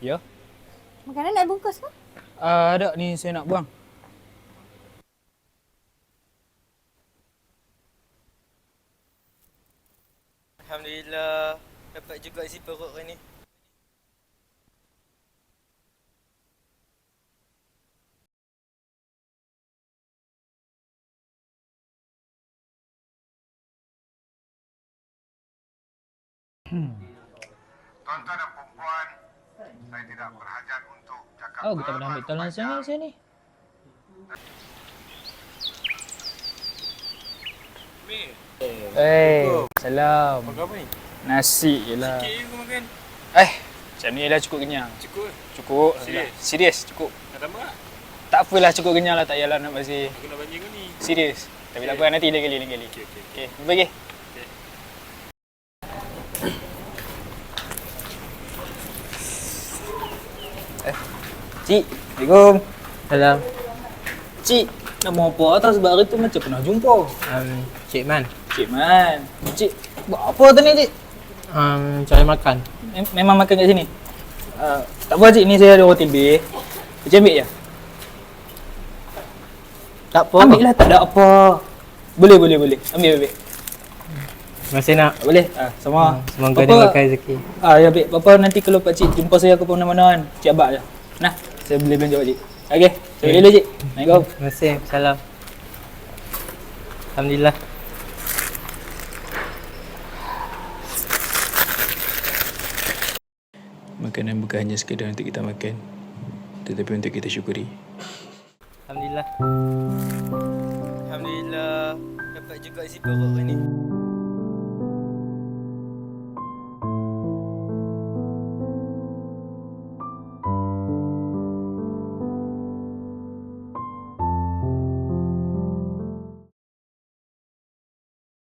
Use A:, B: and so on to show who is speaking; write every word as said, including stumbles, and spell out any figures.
A: Ya?
B: Makanan nak bungkus ke?
A: Uh, ada ni saya nak buang.
C: Alhamdulillah, dapat juga isi perut hari ni.
D: Tuan-tuan dan perempuan, saya tidak berhajat untuk cakap
A: Oh, kita pernah ambil tolong sana sini. Eh, salam.
C: Makan apa ni?
A: Nasi je lah.
C: Sikit je aku makan.
A: Eh, macam ni lah cukup kenyang.
C: Cukup ke?
A: Cukup.
C: Serius?
A: Serius, cukup.
C: Nak tambah tak?
A: Tak apalah, cukup kenyang lah. Tak payahlah nak basi.
C: Aku nak banjir kau ni.
A: Serius. Tapi tak apa, nanti lain kali, lain kali.
C: Okey, okey.
A: Okey, jumpa lagi. Eh, Cik. Assalamualaikum.
E: Salam.
A: Cik, nama apa atas sebab hari tu macam pernah jumpa.
E: Um, Cik Man.
A: Cik Man. Cik, buat apa tadi, Cik?
E: Um, cari makan.
A: Mem- Memang makan kat sini? Uh, tak apa, Cik. Ni saya ada roti lebih. Cik ambil je?
E: Tak apa.
A: Ambil lah, tak ada apa. Boleh, boleh, boleh. Ambil, ambil.
E: Masih nak.
A: Tak boleh? Ah, sama.
E: Hmm, semoga dia makan rezeki.
A: Ah, ya, ambil. Papa nanti kalau Pak Cik jumpa saya ke mana-mana kan, Cik abang je. Nah, saya boleh belanja Pak Cik. Okey, saya boleh dulu, Cik. Assalamualaikum.
E: Terima kasih. Salam. Alhamdulillah.
F: Makanan bukan hanya sekadar untuk kita makan, tetapi untuk kita syukuri.
E: Alhamdulillah.
C: Alhamdulillah, dapat juga isi perut hari ni.